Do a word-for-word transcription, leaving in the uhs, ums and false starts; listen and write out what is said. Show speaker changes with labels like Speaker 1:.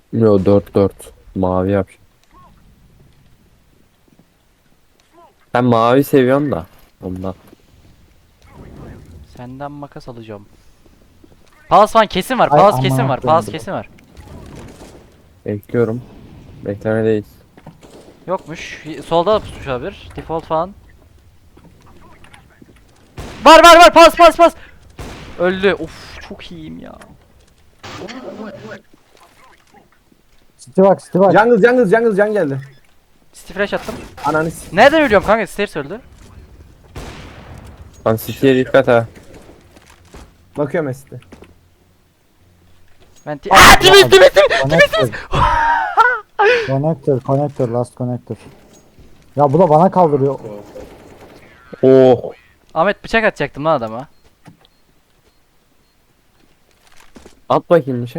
Speaker 1: Yo, dört dört. Mavi yap. Ben mavi seviyorum da. Ondan.
Speaker 2: Senden makas alacağım. Palas falan kesin var.
Speaker 3: Ay
Speaker 2: Palas kesin
Speaker 3: aman
Speaker 2: var. Palas
Speaker 3: koyayım.
Speaker 2: kesin var.
Speaker 1: Bekliyorum. Beklemedeyiz.
Speaker 2: Yokmuş. Solda da pusmuş olabilir. Default falan. Var var var. Pas pas pas. Öldü. Of çok iyiyim ya.
Speaker 3: City bak City bak.
Speaker 4: Jungle jungle jungle jungle geldi.
Speaker 2: City flash attım.
Speaker 4: Ananı s-
Speaker 2: Nereden ölüyorum kanka? Stairs öldü.
Speaker 1: Lan City'ye dikkat ha.
Speaker 4: Bakıyorum Mesut'e.
Speaker 2: Ben ti- Aaa timiz timiz timiz.
Speaker 3: Connector. Connector, connector, last connector. Ya bu da bana kaldırıyor.
Speaker 1: Oh.
Speaker 2: Ahmet bıçak atacaktım lan adama.
Speaker 1: At bakayım bir şey.